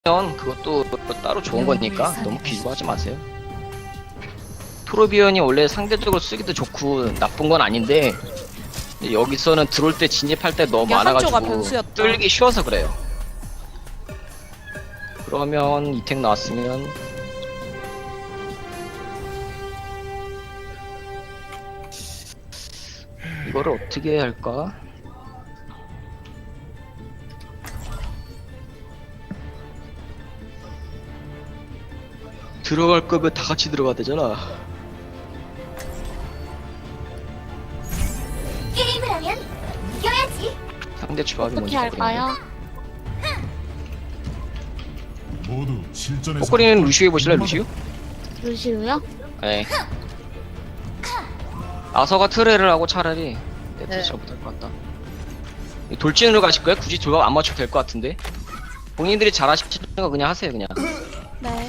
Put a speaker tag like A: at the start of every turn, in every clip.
A: 그것도 따로 좋은 거니까 너무 비교하지 마세요. 토르비언이 원래 상대적으로 쓰기도 좋고 나쁜 건 아닌데 여기서는 들어올 때 진입할 때 너무
B: 이게 한조가
A: 많아가지고
B: 변수였다.
A: 뚫기 쉬워서 그래요. 그러면 이택 나왔으면 이거를 어떻게 해야 할까? 들어갈 거면 다 같이 들어가야 되잖아.
C: 게임을 하면 이겨야지.
A: 상대 조합이
D: 어떻게
A: 뭔지
D: 할까요?
E: 모두 실전에서
A: 꼬꼬리는 루시오 해보실래요, 루시오?
D: 루시우요?
A: 네. 아서가 트레를 하고 차라리
D: 네.
A: 잘 못할 것 같다. 돌진으로 가실 거예요? 굳이 조합 안 맞춰도 될 것 같은데. 본인들이 잘하시는 거 그냥 하세요, 그냥.
B: 네.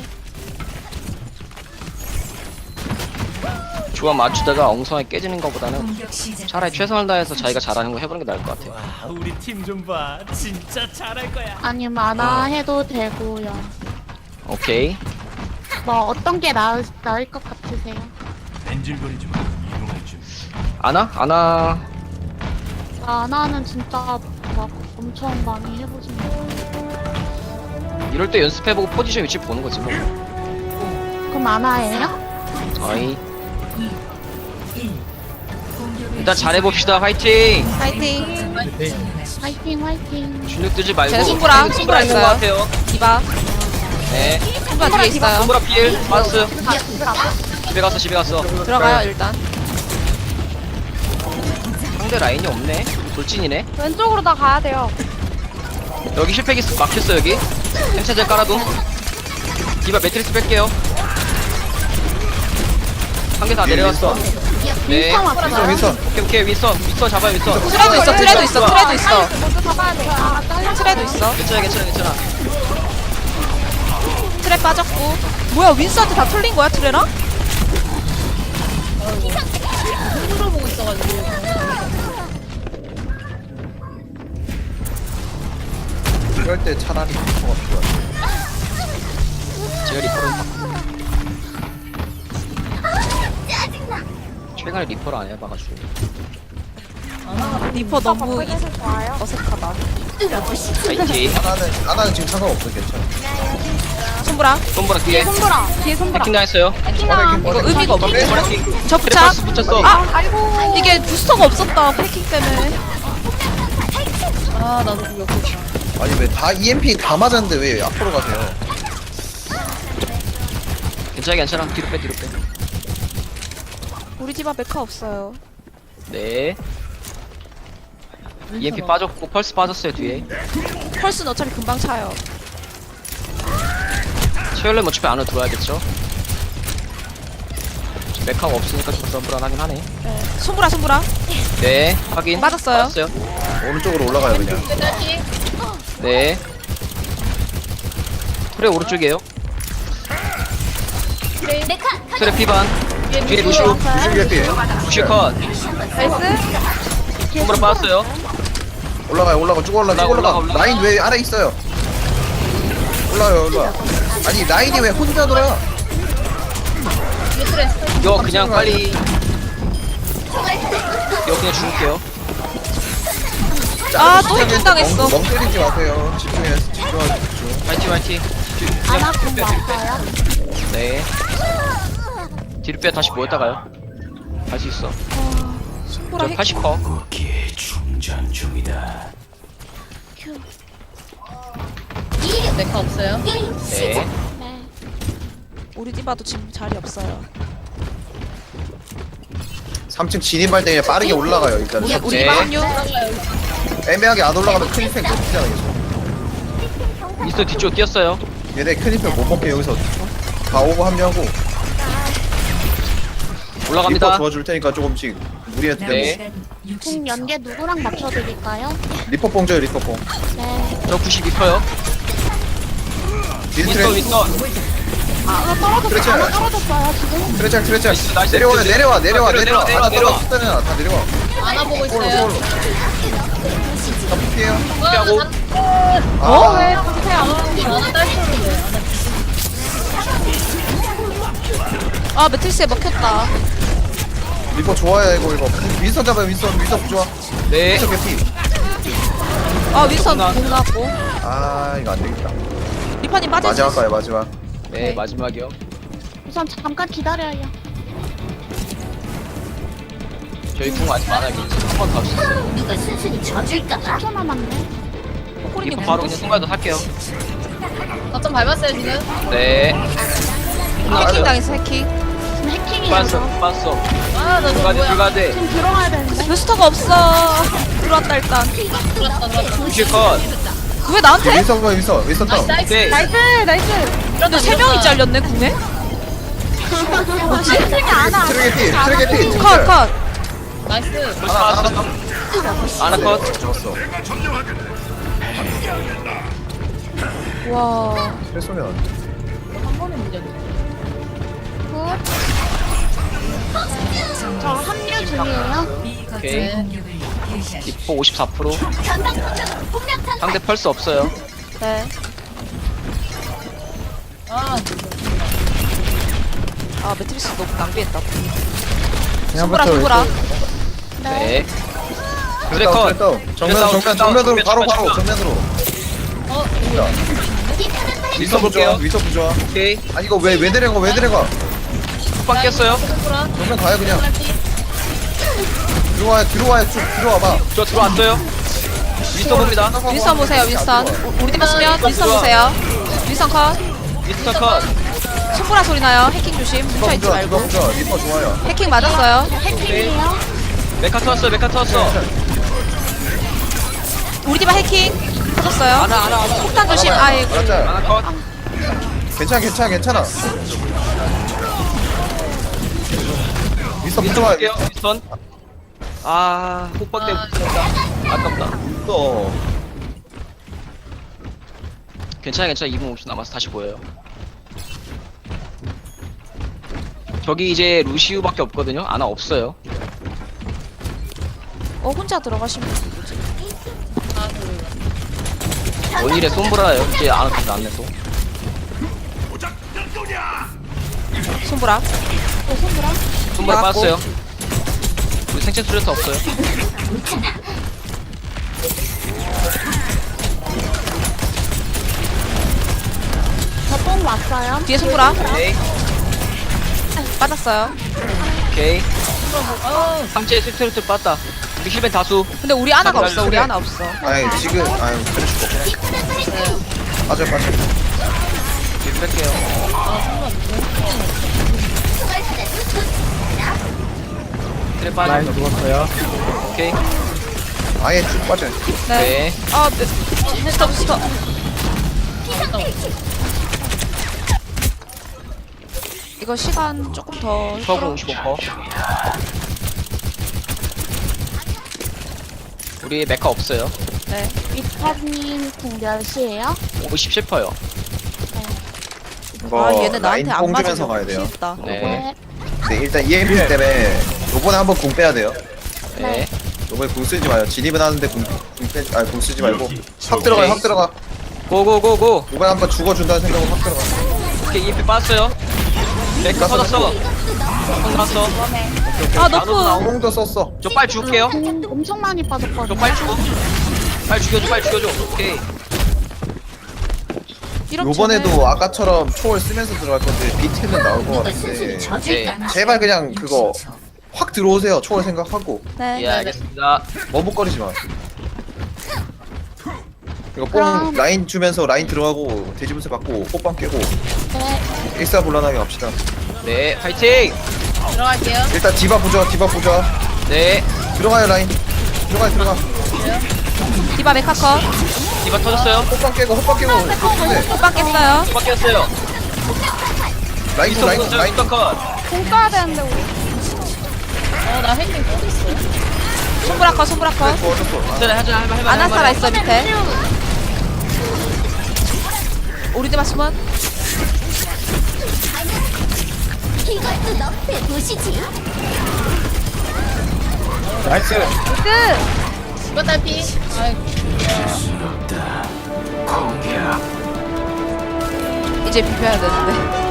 A: 조합 맞추다가 엉성하게 깨지는 것보다는 차라리 최선을 다해서 자기가 잘하는 거 해보는 게 나을 것 같아요.
F: 와, 우리 팀 좀 봐. 진짜 잘할 거야.
D: 아니면 아나 해도 되고요.
A: 오케이.
D: 뭐 어떤 게 나을 것 같으세요?
E: 뺀질거리지 마. 이동할 줄.
A: 아나?
D: 아나는 진짜 막 엄청 많이 해보신 거.
A: 이럴 때 연습해보고 포지션 위치 보는 거지 뭐.
D: 그럼 아나예요?
A: 어이. 일단 잘해봅시다. 화이팅!
B: 파이팅.
D: 화이팅 화이팅.
A: 주눅 뜨지 말고.
B: 쟤네 손보라
A: 있는 것
B: 있어요.
A: 같아요.
B: 디바.
A: 네.
B: 손보라 뒤에 있어요.
A: 손보라 필 빠졌어요. 집에 갔어.
B: 들어가요 일단.
A: 상대 라인이 없네. 돌진이네.
D: 왼쪽으로 다 가야 돼요.
A: 여기 실패기 막혔어 여기. 햄차제 깔아둠. 디바 매트리스 뺄게요. 한 개 다 내려왔어. 네.
D: 윈스턴 왔어요.
A: 오케이 윈스턴 잡아요 윈스턴.
B: 트레도 있어. 트레도 있어. 트레도 있어.
D: 먼저 잡아야 돼. 아 잘려.
B: 트레도 있어.
A: 괜찮아.
B: 트레 빠졌고. 뭐야 윈스한테 다 털린 거야 트레랑?
G: 이럴 때 차라리 리퍼가 필요하죠.
A: 제가 리퍼를 바꾸고. 최근에 리퍼를 안 해봐가지고.
B: 리퍼 너무 어색하다.
A: 파이팅.
G: 아나는 지금 상관없어, 괜찮아.
B: 손보라.
A: 손보라 뒤에.
D: 뒤에 손보라.
A: 해킹 당했어요.
B: 이거 의미가 없네.
A: 손보라 킹.
B: 저 부착.
A: 버스 붙였어.
B: 아 이게 부스터가 없었다 패킹 때문에.
G: 아니 왜 다 EMP 다 맞았는데 왜 앞으로 가세요?
A: 괜찮아. 뒤로 빼.
B: 우리 집안 메카 없어요.
A: 네. EMP 빠졌고 펄스 빠졌어요 뒤에.
B: 펄스는 어차피 금방 차요.
A: 체열렘 어차피 안으로 들어와야겠죠. 메카가 없으니까 좀 불안하긴 하네.
B: 네. 손보라.
A: 네, 확인.
B: 맞았어요.
G: 오른쪽으로 올라가요 그냥.
A: 네. 트레 오른쪽이에요. 트레 피반. 뒤에 루시오.
G: 무슨 개피?
A: 루시오 컷.
B: 나이스.
A: 손보라 빠졌어요.
G: 올라가 쭉 올라가.
A: 올라가.
G: 라인 왜 아래 있어요? 올라가. 아니 라인이 왜 혼자 돌아?
A: 이거 그냥 빨리. 이거 그냥 죽을게요.
B: 또 해킹 당했어.
G: 멍 때리지 마세요. 집중하십시오.
A: 화이팅.
D: 아나 공 왔어요.
A: 네. 뒤로 빼 다시 모였다 가요. 할 수 있어.
B: 손보라
A: 저
B: 해킹.
A: 80커.
F: 거기에 충전 중이다.
A: 네.
D: 네.
B: 우리 디바도 지금 자리 없어요.
G: 3층 진입할 때 그냥 빠르게 올라가요 일단.
B: 우리
A: 네.
B: 디바 합류.
G: 애매하게 안 올라가면 큰 이펙 못 쓰잖아 계속.
A: 미스터 뒤쪽 뛰었어요.
G: 얘네 큰 이펙 못 먹게 여기서 다 오고 합류하고. 리퍼
A: 올라갑니다.
G: 도와줄 테니까 조금씩 무리해도 되고.
A: 네.
D: 공 연계 누구랑 맞춰드릴까요?
G: 리퍼 뽕 줘요 리퍼 뽕.
D: 네.
A: 저 92커요.
G: 딜트레
A: 윈스터.
D: 아나 떨어졌어요.
G: 그렇죠.
D: 아나 떨어졌어요 지금.
G: 트레짤
A: 나이스.
G: 내려와
A: 내려와.
G: 하나 떨어졌다냐 다 내려와. 안아보고 있어요. 피해요.
A: 피하고.
B: 어?
D: 왜 보세요?
B: 아 매트리스에 먹혔다.
G: 리퍼 좋아요 이거. 윈선 잡아요 윈선 좋아.
A: 네.
G: 윈선 개피.
B: 아 윈선 공 나왔고.
G: 아 이거 안 되겠다.
B: 리파님 빠질 수
G: 마지막
B: 있어.
G: 가요 마지막.
A: 네, 마지막이요.
D: 우선 잠깐 기다려요.
A: 저희 궁 아직 많아요. 한번 더 합시다.
C: 누가 순순히 져줄까봐?
D: 10초 남았네.
B: 코코리님
A: 리퍼 바로 그냥 순간도 할게요.
H: 좀 밟았어요 지금.
A: 네.
B: 해킹 당했어 해킹.
D: 지금 해킹이에요.
A: 빠졌어, 빠졌어.
H: 아나 저거
A: 불가돼,
H: 뭐야.
A: 불가돼.
D: 지금 들어가야 되는데.
B: 베스터가 없어. 들어왔다 일단.
A: 루시 컷.
B: 왜 나한테?
G: 윈선 다운.
H: 나이스.
A: 오케이.
B: 근데 세 명이 잘렸네 궁에.
G: 트랙 개피. 트랙 개피.
B: 컷 컷.
H: 나이스.
A: 아나 컷.
G: 죽었어.
B: 와.
G: 트랙 쏘면.
H: 한 번에 문제네.
D: 저 합류 중이에요.
A: 오케이. 리퍼 54%.
C: 전방 공략탄
A: 상대 펄스 없어요.
B: 네.
H: 아
B: 아 매트리스 너무 낭비했다.
G: 그냥
B: 손보라 손보라.
A: 네.
G: 트랙
A: 컷.
G: 다운. 정면으로 바로 정면으로.
A: 윈선 볼게요.
G: 윈선 부좋아.
A: 오케이.
G: 아 이거 왜 내려가
A: 훅방 깼어요.
H: 손보라.
G: 정면 가요 그냥. 들어와요 쭉 들어와봐.
A: 저 들어왔어요. 윈선 봅니다.
B: 윈선 보세요 윈선. 우리 팀 맞으면 윈선 보세요. 윈선 컷.
A: 윈선 컷.
B: 손보라 소리 나요. 해킹 조심. 뭉쳐있지 말고.
G: 리퍼 좋아요.
B: 해킹 맞았어요.
D: 해킹이에요.
A: 메카 터졌어, 메카 터졌어.
B: 우리 팀 해킹 터졌어요.
A: 아나.
B: 폭탄 조심. 아이고.
G: 알았죠?
A: 아나 컷.
G: 괜찮아. 윈선
A: 윈선
G: 부좋아.
A: 볼게요. 윈선. 아, 훅방 때문에 붙었다. 아깝다.
G: 또
A: 괜찮아. 2분 50초 남아서 다시 보여요. 저기 이제 루시우밖에 없거든요. 아나 없어요.
B: 혼자 들어가시면 되지.
A: 원일에 손보라요. 이제 아나 근데 안 내서.
B: 손보라.
A: 손보라
B: 나갔고.
A: 빠졌어요. 우리 생체 수레트 없어요.
D: 저뽕 왔어요.
B: 뒤에 손보라.
A: 오케이.
B: 빠졌어요.
A: 오케이. 상체에 스트레트 빠졌다. 우리 힐벤 다수.
B: 근데 우리 아나가
A: 아,
B: 없어. 우리
A: 그래.
B: 아나 없어.
G: 아니 지금 그럴 수가 없어. 빠져.
A: 힐 뺄게요. 트랩 빠져.
I: 죽었어요.
A: 오케이.
G: 아예 쭉 빠져.
B: 네.
A: 네.
B: 아 부스터. 이거 시간 조금 더.
A: 서브 55%. 우리 메카 없어요.
B: 네.
D: 리퍼님 궁 몇이에요?
A: 57%요.
G: 이거
B: 아 얘네 나한테 안
G: 라인
B: 맞으면
G: 뽕주면서 가야 돼요.
B: 미치겠다.
A: 네.
G: 네 일단 EMP 때문에 요번에 한번 궁 빼야 돼요.
A: 네.
G: 요번에 궁 쓰지 마요. 진입은 하는데 궁 쓰지 말고 확 들어가.
A: 고고고고.
G: 요번에 한번 죽어준다는 생각으로 확 들어가.
A: 오케이, EP 빠졌어요. 메카 터졌어. 손 났어.
B: 아
A: 나도
B: 너프.
G: 뽕도 썼어.
A: 저 빨리 죽을게요.
D: 궁 엄청 많이
A: 저
D: 빠졌거든요.
A: 빨리 죽어. 빨리 죽여줘. 오케이.
B: 이렇게
G: 요번에도 아까처럼 초월 쓰면서 들어갈 건데 비트는 나올 것
C: 누가
G: 같은데
C: 순순히 져줄까봐?
G: 제발 그냥 그거 확 들어오세요. 초월 생각하고
B: 네.
A: 예, 알겠습니다.
G: 머뭇거리지 마. 이거 뽕
D: 그럼-
G: 라인 주면서 라인 들어가고 돼지분쇄 받고 호빵 깨고
D: 네.
G: 일사불란하게 갑시다.
A: 네, 파이팅!
H: 들어갈게요.
G: 일단 디바 보자.
A: 네,
G: 들어가요 라인. 들어가.
B: 디바 메카 컷.
A: 디바 터졌어요.
G: 호빵 깨고 그렇게
B: 호빵 깼어요.
A: 바뀌었어요.
G: 라인
A: 미스터
G: 라인
A: 터졌어요.
G: 라인
A: 미스터 컷.
B: 공 써야 되는데 우리.
H: 나 해킹 또 있어.
B: 손보라 컷.
G: 어쩔
A: 괜찮아, 하자.
B: 아나 살아 있어 밑에. 우리 집 맞으면
C: 이것도 너프에 보시지.
I: 나이스.
B: 끝.
H: 이거 딸피. 아이고.
F: 없다. 공격.
B: 이제 비벼야 되는데.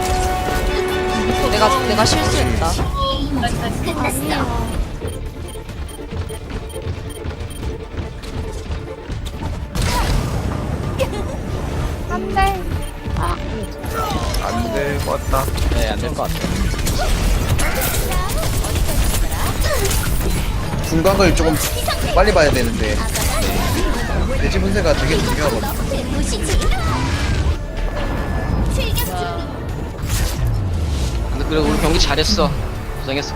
B: 내가 실수했다.
C: 끝났어.
G: 안 될 것 같다.
A: 네, 안 될 것 같아.
G: 중간을 조금 빨리 봐야 되는데 돼지 분쇄가 되게 중요하거든.
C: 너프에 보시지. 출격 준비.
A: 근데 그래 우리 경기 잘했어. 고생했어.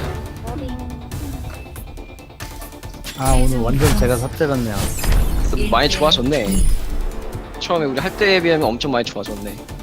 I: 아 오늘 완전 제가 삽질했네요.
A: 많이 좋아졌네. 처음에 우리 할 때에 비하면 엄청 많이 좋아졌네.